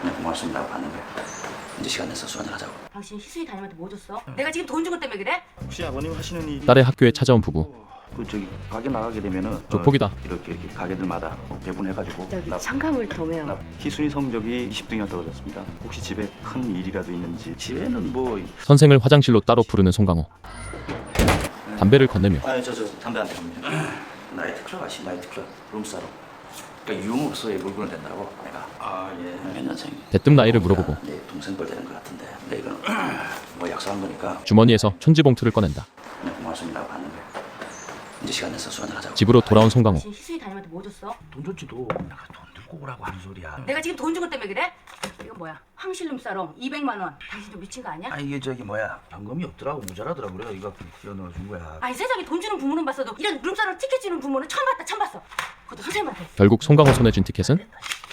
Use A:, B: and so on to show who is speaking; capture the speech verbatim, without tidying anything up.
A: 그냥 고맙습니다 하고 받는 거야. 이제 시간 내서 술 한잔 하자고.
B: 당신 희순이 담임한테 뭐 줬어? 내가 지금 돈 준 것 때문에 그래?
A: 혹시 아버님 하시는 일이
C: 딸의 학교에 찾아온 부부.
A: 그 저기 가게 나가게 되면은
C: 조폭이다.
A: 어, 이렇게 이렇게 가게들마다 뭐 배분해가지고
B: 저기
A: 나-
B: 창가물 도매요.
A: 나 희순이 성적이 이십 등이나 떨어졌습니다. 혹시 집에 큰 일이라도 있는지. 집에는 뭐
C: 선생을 화장실로 따로 부르는 송강호. 담배를 건네며
A: 아니 저 저 담배 안 피웁니다. 나이트클럽 아시 나이트클럽 룸사로. 그러니까 유흥업소에 물건을 댄다고 내가. 아 예. 몇 년생?
C: 대뜸 나이를 물어보고
A: 내 동생 뻘 되는 것 같은데. 근데 이거는 뭐 약속한 거니까
C: 주머니에서 천지봉투를 꺼낸다.
A: 그냥 고맙습니다 하고 받는 거야. 이제 시간 내서 술 한잔 하자고.
C: 집으로 돌아온 송강호.
B: 당신 희순이 담임한테 뭐 줬어?
D: 돈 줬지도 내가 돈 들고 오라고 하는 소리야.
B: 내가 지금 돈 준 것 때문에 그래? 이거 뭐야? 황실룸 사롱 이백만 원. 당신 좀 미친 거 아니야?
D: 아 이게 저기 뭐야 현금이 없더라고 모자라더라고 그래 이거 끼워 넣어준 거야.
B: 아니 세상에 돈 주는 부모는 봤어도 이런 룸사롱 티켓 주는 부모는 처음 봤다 처음 봤어. 그것도 선생님한테.
C: 결국 송강호 손에 쥔 티켓은